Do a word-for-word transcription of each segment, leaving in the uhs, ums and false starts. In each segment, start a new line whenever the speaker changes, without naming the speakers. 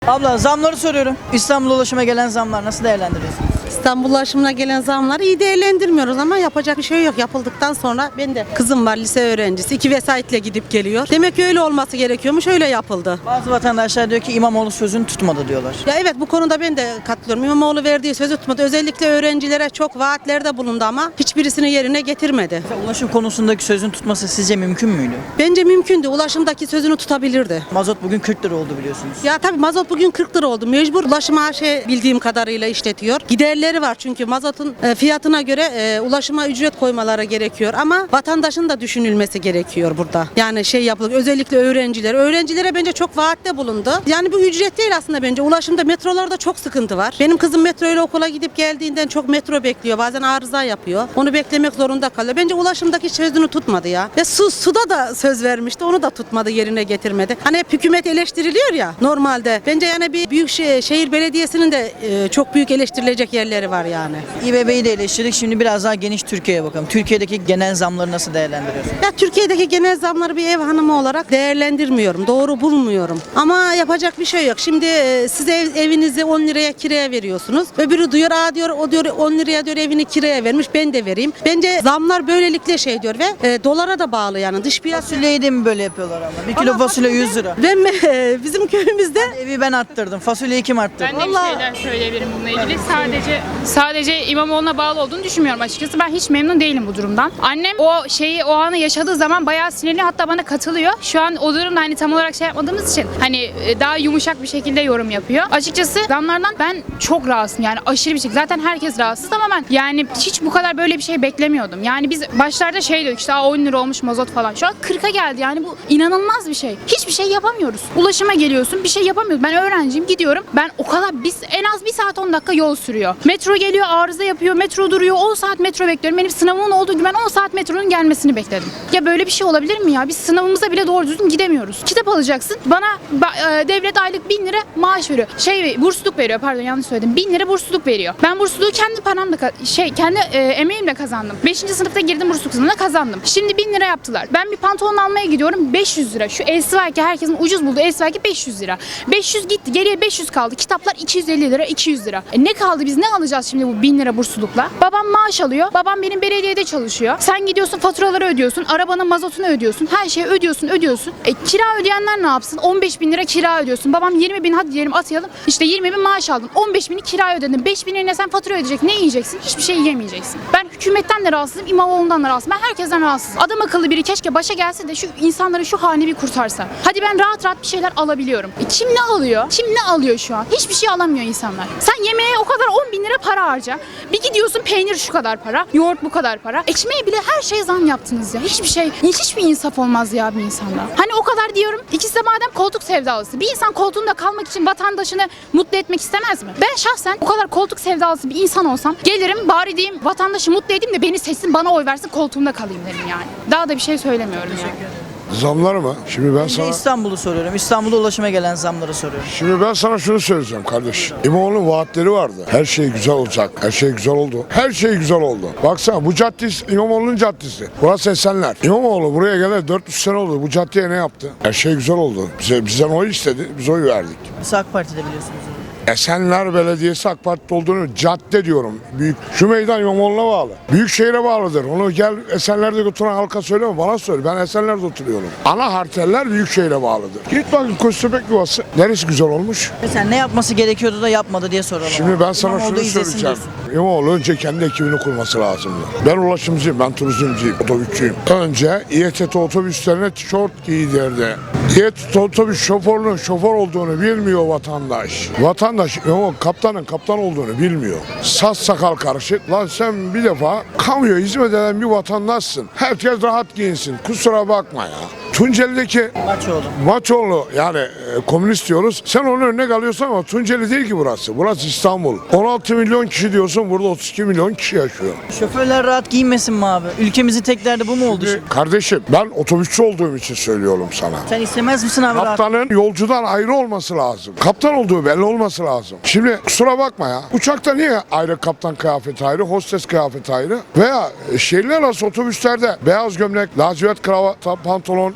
Abla zamları soruyorum. İstanbul ulaşıma gelen zamlar nasıl değerlendiriyorsunuz?
İstanbul ulaşımına gelen zamları iyi değerlendirmiyoruz ama yapacak bir şey yok. Yapıldıktan sonra ben de kızım var, lise öğrencisi. iki vesayetle gidip geliyor. Demek ki öyle olması gerekiyormuş, öyle yapıldı.
Bazı vatandaşlar diyor ki İmamoğlu sözünü tutmadı diyorlar.
Ya evet, bu konuda ben de katılıyorum. İmamoğlu verdiği sözü tutmadı. Özellikle öğrencilere çok vaatlerde bulundu ama hiçbirisini yerine getirmedi.
Mesela ulaşım konusundaki sözünü tutması sizce mümkün müydü?
Bence mümkündü. Ulaşımdaki sözünü tutabilirdi.
Mazot bugün kırk lira oldu biliyorsunuz.
Ya tabii mazot bugün kırk lira oldu. Mecbur ulaşım A Ş bildiğim kadarıyla işletiyor. Giderleri var çünkü mazotun e, fiyatına göre e, ulaşıma ücret koymaları gerekiyor. Ama vatandaşın da düşünülmesi gerekiyor burada. Yani şey yapılır. Özellikle öğrenciler. Öğrencilere bence çok vaatte bulundu. Yani bu ücret değil aslında bence. Ulaşımda metrolarda çok sıkıntı var. Benim kızım metro ile okula gidip geldiğinden çok metro bekliyor. Bazen arıza yapıyor. Onu beklemek zorunda kalıyor. Bence ulaşımdaki sözünü tutmadı ya. Ve su, suda da söz vermişti. Onu da tutmadı, yerine getirmedi. Hani hep hükümet eleştiriliyor ya normalde. Bence yani bir büyük şehir, şehir belediyesinin de e, çok büyük eleştirilecek yerleri var yani.
İBB'yi de eleştirdik. Şimdi biraz daha geniş Türkiye'ye bakalım. Türkiye'deki genel zamları nasıl değerlendiriyorsunuz?
Ya Türkiye'deki genel zamları bir ev hanımı olarak değerlendirmiyorum. Doğru bulmuyorum. Ama yapacak bir şey yok. Şimdi e, siz ev, evinizi on liraya kiraya veriyorsunuz. Öbürü diyor, aa diyor, o diyor on liraya diyor evini kiraya vermiş, ben de vereyim. Bence zamlar böylelikle şey diyor ve e, dolara da bağlı yani. Dış piyasa.
Fasulyeyi de mi böyle yapıyorlar ama? Bir kilo
Ama
fasulye
fasulye-
yüz lira.
Ben e, bizim köyümüzde
Evi ben arttırdım. Fasulyeyi kim arttırdı?
Ben de bir
Vallahi-
şeyler söyleyebilirim bununla ilgili. Sadece sadece İmamoğlu'na bağlı olduğunu düşünmüyorum açıkçası. Ben hiç memnun değilim bu durumdan. Annem o şeyi o anı yaşadığı zaman bayağı sinirli, hatta bana katılıyor. Şu an o durumda hani tam olarak şey yapmadığımız için hani daha yumuşak bir şekilde yorum yapıyor. Açıkçası zamlardan ben çok rahatsızım. Yani aşırı bir şekilde. Zaten herkes rahatsız ama ben yani hiç bu kadar böyle bir şey beklemiyordum. Yani biz başlarda şey diyorduk işte on lira olmuş mazot falan. Şu an kırka geldi. Yani bu inanılmaz bir şey. Hiçbir şey yapamıyoruz. Ulaşıma geliyorsun, bir şey yapamıyoruz. Ben öğrenciyim, gidiyorum. Ben o kadar biz en az bir saat on dakika yol sürüyor. Metro geliyor, arıza yapıyor, metro duruyor. on saat metro bekliyorum. Benim sınavımın olduğu gün ben on saat metronun gelmesini bekledim. Ya böyle bir şey olabilir mi ya? Biz sınavımıza bile doğru düzgün gidemiyoruz. Kitap alacaksın. Bana ba- e, devlet aylık bin lira maaş veriyor. Şey bursluluk veriyor, pardon yanlış söyledim. bin lira bursluluk veriyor. Ben bursluluğu kendi paramla ka- şey kendi e, emeğimle kazandım. beşinci sınıfta girdim, bursluluk sınavına kazandım. Şimdi bin lira yaptılar. Ben bir pantolon almaya gidiyorum, beş yüz lira. Şu Esvaki, herkesin ucuz bulduğu Esvaki beş yüz lira. beş yüz gitti. Geriye beş yüz kaldı. Kitaplar iki yüz elli lira, iki yüz lira. E ne kaldı, biz ne alacağız şimdi bu bin lira burslulukla? Babam maaş alıyor. Babam benim belediyede çalışıyor. Sen gidiyorsun faturaları ödüyorsun. Arabanın mazotunu ödüyorsun. Her şeyi ödüyorsun, ödüyorsun. E kira ödeyenler ne yapsın? on beş bin lira kira ödüyorsun. Babam yirmi bin, hadi diyelim atayalım. İşte yirmi bin maaş aldın. on beş bini kira ödedin. beş binine sen fatura ödeyecek. Ne yiyeceksin? Hiçbir şey yiyemeyeceksin. Ben hükümetten de rahatsızım. İmamoğlu'ndan da rahatsızım. Ben herkesten rahatsızım. Adam akıllı biri keşke başa gelse de şu insanların şu halini bir kurtarsa. Hadi ben rahat rahat bir şeyler alabiliyorum. E kim ne alıyor? Kim ne alıyor şu an? Hiçbir şey alamıyor insanlar. Sen yemeğe o kadar on bin lira para harca. Bir gidiyorsun peynir şu kadar para. Yoğurt bu kadar para. Ekmeğe bile her şeye zam yaptınız ya. Hiçbir şey, hiçbir insaf olmaz ya bir insanda. Hani o kadar diyorum. İkisi de madem koltuk sevdalısı. Bir insan koltuğunda kalmak için vatandaşını mutlu etmek istemez mi? Ben şahsen o kadar koltuk sevdalısı bir insan olsam gelirim bari diyeyim vatandaşı mutlu edeyim de beni seçsin, bana oy versin, koltuğumda kalayım derim yani. Daha da bir şey söylemiyorum yani.
Zamlar mı? Şimdi ben
Önce
sana
İstanbul'u soruyorum. İstanbul'da ulaşıma gelen zamları soruyorum.
Şimdi ben sana şunu söyleyeceğim kardeş. İmamoğlu'nun vaatleri vardı. Her şey güzel olacak. Her şey güzel oldu. Her şey güzel oldu. Baksana bu cadde İmamoğlu'nun caddesi. Burası Esenler. İmamoğlu buraya geleli dört yüz sene oldu. Bu caddeye ne yaptı? Her şey güzel oldu. Bize, bizden oy istedi. Biz oy verdik.
Biz AK Parti'de biliyorsunuz.
Esenler Belediyesi AK Parti'de olduğunu cadde diyorum. Büyük. Şu meydan İmamoğlu'na bağlı. Büyükşehir'e bağlıdır. Onu gel Esenler'de oturan halka söyleme, bana söyle. Ben Esenler'de oturuyorum. Ana harteller Büyükşehir'e bağlıdır. Git bakın Köstebek Yuvası. Neresi güzel olmuş?
Mesela ne yapması gerekiyordu da yapmadı diye soralım.
Şimdi ben sana
İmamoğlu
şunu
izlesin
söyleyeceğim.
diyorsun.
İmamoğlu önce kendi ekibini kurması lazımdı. Ben ulaşımcıyım, ben turizmciyim, otobüsçüyüm. Önce İETT otobüslerine tişört giydirdi. İETT otobüs şoförünün şoför olduğunu bilmiyor vatandaş. Vatandaş İmamoğlu kaptanın kaptan olduğunu bilmiyor. Saz sakal karışık. Lan sen bir defa kamuya hizmet eden bir vatandaşsın. Herkes rahat giyinsin. Kusura bakma ya. Tunceli'deki
Maçoğlu.
Maçoğlu yani e, komünist diyoruz. Sen onun önüne alıyorsun ama Tunceli değil ki burası. Burası İstanbul. on altı milyon kişi diyorsun, burada otuz iki milyon kişi yaşıyor.
Şoförler rahat giyinmesin mi abi? Ülkemizin tek derdi bu mu oldu şimdi?
Kardeşim ben otobüsçü olduğum için söylüyorum sana.
Sen istemez misin abi rahat?
Kaptanın yolcudan ayrı olması lazım. Kaptan olduğu belli olması lazım. Şimdi kusura bakma ya. Uçakta niye ayrı kaptan kıyafeti ayrı, hostes kıyafeti ayrı? Veya şehirler arası otobüslerde beyaz gömlek, lacivert kravat, pantolon,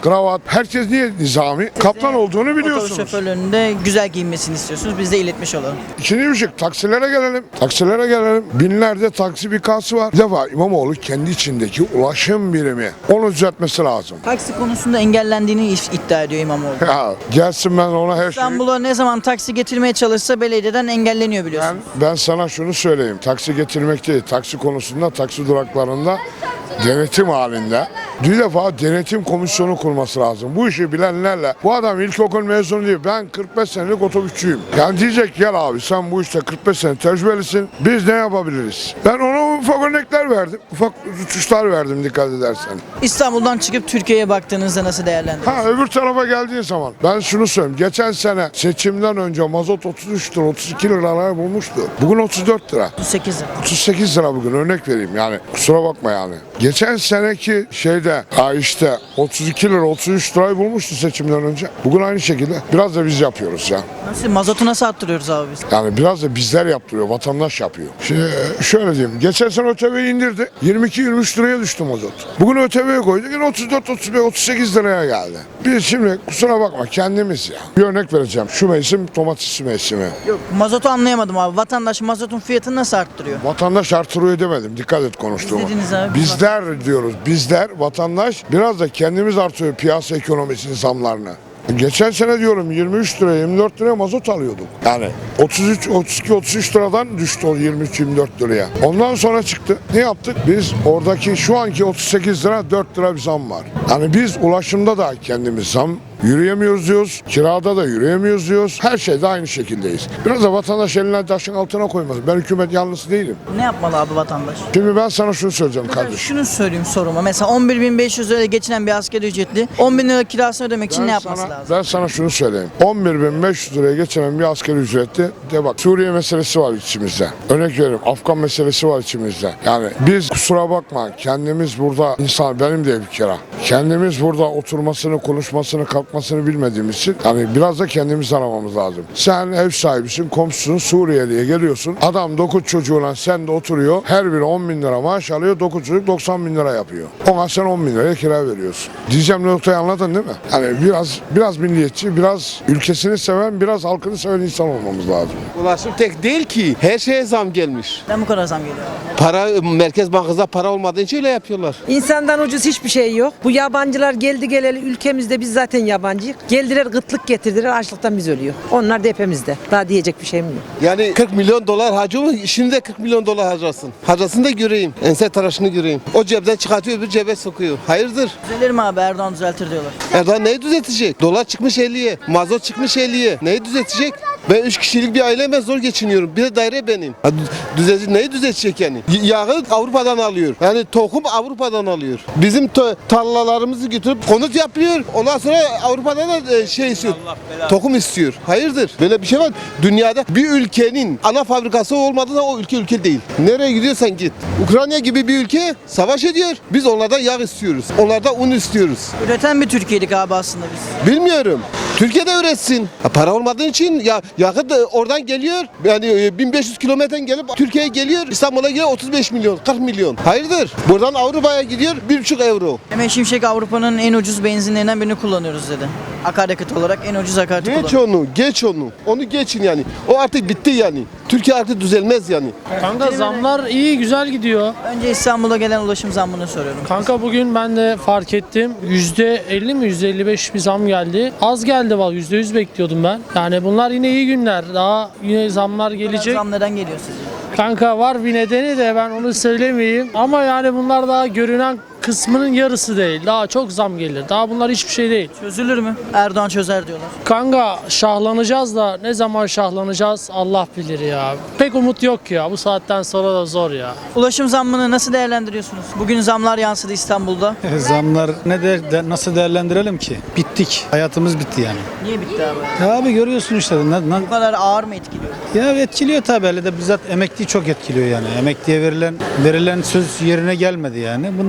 kravat. Herkes niye nizami? Kaptan olduğunu
Otobüs
biliyorsunuz.
şoförlerinin de güzel giyinmesini istiyorsunuz. Biz de iletmiş olalım.
İkinci bir şey, taksilere gelelim. Taksilere gelelim. Binlerce taksi bikası var. Bir defa İmamoğlu kendi içindeki ulaşım birimi. Onu düzeltmesi lazım.
Taksi konusunda engellendiğini iddia ediyor İmamoğlu.
Ya gelsin, ben ona her şeyi...
İstanbul'a ne zaman taksi getirmeye çalışsa belediyeden engelleniyor
Ben,
biliyorsunuz.
ben sana şunu söyleyeyim. Taksi getirmek değil. Taksi konusunda, taksi duraklarında denetim halinde bir defa denetim komisyonu kurması lazım. Bu işi bilenlerle. Bu adam ilkokul mezunu değil. Ben kırk beş senelik otobüsçüyüm. Yani diyecek, gel abi sen bu işte kırk beş sene tecrübelisin. Biz ne yapabiliriz? Ben ona ufak örnekler verdim. Ufak uçuşlar verdim, dikkat edersen.
İstanbul'dan çıkıp Türkiye'ye baktığınızda nasıl değerlendiriyorsunuz?
Ha, öbür tarafa geldiğin zaman ben şunu söyleyeyim. Geçen sene seçimden önce mazot otuz üç lira, otuz iki liralara bulmuştu. Bugün otuz dört lira.
otuz sekiz lira.
otuz sekiz lira bugün, örnek vereyim yani, kusura bakma yani. Geçen seneki şeyde ha işte otuz iki lira, otuz üç lirayı bulmuştu seçimden önce. Bugün aynı şekilde biraz da biz yapıyoruz ya.
Nasıl, mazotu nasıl arttırıyoruz abi biz?
Yani biraz da bizler yaptırıyor, vatandaş yapıyor. Şimdi şöyle diyeyim, geçen sene ÖTV'yi indirdi, yirmi iki yirmi üç liraya düştü mazot. Bugün ÖTV'ye koydu, yine otuz dört otuz beş otuz sekiz liraya geldi. Biz şimdi kusura bakma kendimiz ya. Bir örnek vereceğim, şu mevsim domates mevsimi.
Yok, mazotu anlayamadım abi. Vatandaş mazotun fiyatını nasıl arttırıyor?
Vatandaş artırıyor demedim, dikkat et konuştuğuma.
Biz dediniz abi.
Bizler diyoruz, bizler, vatandaş biraz da kendimiz artıyor piyasa ekonomisinin zamlarını. Geçen sene diyorum yirmi üç liraya, yirmi dört liraya mazot alıyorduk. Yani otuz üç, otuz iki, otuz üç liradan düştü o yirmi üç, yirmi dört liraya. Ondan sonra çıktı. Ne yaptık? Biz oradaki şu anki otuz sekiz lira, dört lira bir zam var. Yani biz ulaşımda da kendimiz zam yürüyemiyoruz diyoruz. Kirada da yürüyemiyoruz diyoruz. Her şeyde aynı şekildeyiz. Biraz da vatandaş elinden taşın altına koymalı. Ben hükümet yanlısı değilim.
Ne yapmalı abi vatandaş?
Şimdi ben sana şunu söyleyeceğim kardeşim.
Şunu söyleyeyim soruma. Mesela on bir bin beş yüz liraya geçinen bir asgari ücretli on bin lira kirasını ödemek için
Ben
ne yapması
sana,
lazım?
Ben sana şunu söyleyeyim. on bir bin beş yüz liraya geçenen bir asgari ücretli de bak, Suriye meselesi var içimizde. Örnek veriyorum, Afgan meselesi var içimizde. Yani biz kusura bakma kendimiz burada insan, benim de bir kere. Kendimiz burada oturmasını, konuşmasını, kalkmasını bilmediğimiz için yani biraz da kendimiz aramamız lazım. Sen ev sahibisin, komşusun, Suriyeli'ye geliyorsun. Adam dokuz çocuğuyla sen de oturuyor. Her biri on bin lira maaş alıyor. dokuz çocuk doksan bin lira yapıyor. Ona sen on bin liraya kira veriyorsun. Diyeceğim noktayı anladın değil mi? Yani biraz biraz milliyetçi, biraz ülkesini seven, biraz halkını seven insan olmamız lazım.
Ulaşım tek değil ki. Her şeye zam gelmiş.
Neden bu kadar zam geliyor?
Para, Merkez Bankası'nda para olmadığı için öyle yapıyorlar.
İnsandan ucuz hiçbir şey yok. Bu yabancılar geldi geleli ülkemizde, biz zaten yabancıyız. Geldiler gıtlık getirdiler, açlıktan biz ölüyor. Onlar da hepimizde. Daha diyecek bir şeyim yok.
Yani kırk milyon dolar harcıyor mu? Şimdi de kırk milyon dolar harcasın. Harcasın da göreyim. Ense tıraşını göreyim. O cebden çıkartıyor, öbür cebe sokuyor. Hayırdır?
Düzelir mi abi? Erdoğan düzeltir diyorlar.
Erdoğan neyi düzeltecek? Dolar çıkmış elliye. Mazot çıkmış elliye. Neyi düzeltecek? Ben üç kişilik bir aileme zor geçiniyorum. Bir de daire benim. Ha, dü- düzeltecek, neyi düzeltecek yani? Y- Yağı Avrupa'dan alıyor. Yani tohum Avrupa'dan alıyor. Bizim to- tarlalarımızı götürüp konut yapıyor. Ondan sonra Avrupa'dan da e, şey istiyor. Tohum istiyor. Hayırdır? Böyle bir şey var. Dünyada bir ülkenin ana fabrikası olmadığında o ülke ülke değil. Nereye gidiyorsan git. Ukrayna gibi bir ülke savaş ediyor. Biz onlardan yağ istiyoruz. Onlardan un istiyoruz.
Üreten bir Türkiye'lik abi aslında biz.
Bilmiyorum. Türkiye'de üretsin. Ha, para olmadığı için ya yakıt da oradan geliyor. Yani e, bin beş yüz kilometreden gelip Türkiye'ye geliyor. İstanbul'a geliyor otuz beş milyon, kırk milyon. Hayırdır? Buradan Avrupa'ya gidiyor bir buçuk euro.
Mehmet Şimşek Avrupa'nın en ucuz benzinlerinden birini kullanıyoruz dedi. Akaryakıt olarak en ucuz akaryakıt
Geç
kullanıyoruz.
onu, geç onu. Onu geçin yani. O artık bitti yani. Türkiye artık düzelmez yani.
Kanka zamlar iyi, güzel gidiyor.
Önce İstanbul'a gelen ulaşım zammını soruyorum.
Kanka bugün ben de fark ettim. yüzde elli mi yüzde elli beş bir zam geldi. Az geldi valla, yüzde yüz bekliyordum ben. Yani bunlar yine iyi günler. Daha yine zamlar gelecek.
Zam neden geliyor sizce?
Kanka var bir nedeni de ben onu söylemeyeyim. Ama yani bunlar daha görünen kısmının yarısı değil. Daha çok zam gelir. Daha bunlar hiçbir şey değil.
Çözülür mü? Erdoğan çözer diyorlar.
Kanka şahlanacağız da ne zaman şahlanacağız Allah bilir ya. Pek umut yok ya. Bu saatten sonra da zor ya.
Ulaşım zammını nasıl değerlendiriyorsunuz? Bugün zamlar yansıdı İstanbul'da.
Zamlar ne de, de- nasıl değerlendirelim ki? Bittik. Hayatımız bitti yani.
Niye bitti abi?
Ya abi görüyorsun işte. Na- na-
Bu kadar ağır mı etkiliyor?
ya etkiliyor tabii. Hele de bizzat emekliyi çok etkiliyor yani. Emekliye verilen verilen söz yerine gelmedi yani. Bundan dolayı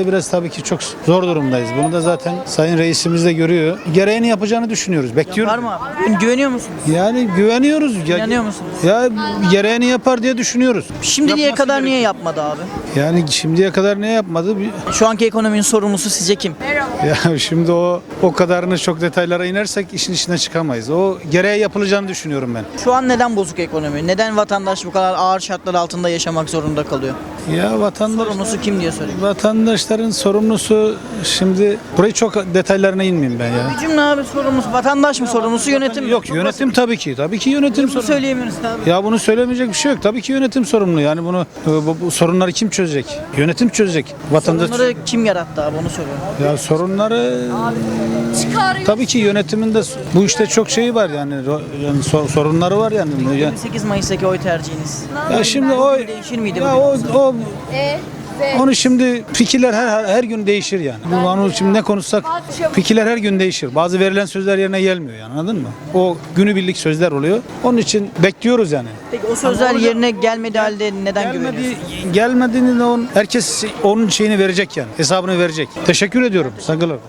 biraz tabii ki çok zor durumdayız. Bunu da zaten Sayın Reisimiz de görüyor. Gereğini yapacağını düşünüyoruz. Bekliyoruz.
Var mı abi? Güveniyor musunuz?
Yani güveniyoruz. Ya,
İnanıyor musunuz?
Ya gereğini yapar diye düşünüyoruz.
Şimdiye
Yapması
kadar niye
gerekiyor.
yapmadı abi?
Yani şimdiye kadar ne yapmadı? Bir-
Şu anki ekonominin sorumlusu sizce kim?
Ya şimdi o o kadarını çok detaylara inersek işin içine çıkamayız. O gereği yapılacağını düşünüyorum ben.
Şu an neden bozuk ekonomi? Neden vatandaş bu kadar ağır şartlar altında yaşamak zorunda kalıyor?
Ya vatandaş
Sorumlusu kim diye sorayım.
vatandaşların sorumlusu şimdi burayı çok detaylarına inmeyeyim ben ya.
Bir cümle abi sorumlusu. Vatandaş mı sorumlusu, yönetim mi?
Yok
Çok
yönetim tabii ki. Tabii ki yönetim
basit. Bunu
sorumlu.
söyleyemiyoruz abi.
Ya bunu söylemeyecek bir şey yok. Tabii ki yönetim sorumlu. Yani bunu bu, bu sorunları kim çözecek? Yönetim çözecek. Vatandaş
Sorunları kim yarattı abi, onu soruyorum.
ya sorunları tabii ki yönetimin de bu işte çok şeyi var yani, ro- yani sor- sorunları var yani. Ya,
yirmi sekiz Mayıs'taki oy tercihiniz.
ya şimdi o
Değişir miydi
ya
bugün?
o, o onu şimdi fikirler her her gün değişir yani. Bu onu şimdi ne konuşsak fikirler her gün değişir. Bazı verilen sözler yerine gelmiyor yani, anladın mı? O günübirlik sözler oluyor. Onun için bekliyoruz yani.
Peki o sözler yerine gelmedi halde neden
Gelmedi,
güveniyorsunuz?
gelmediğini de on, herkes onun şeyini verecek yani. Hesabını verecek. Teşekkür ediyorum. Saygılar.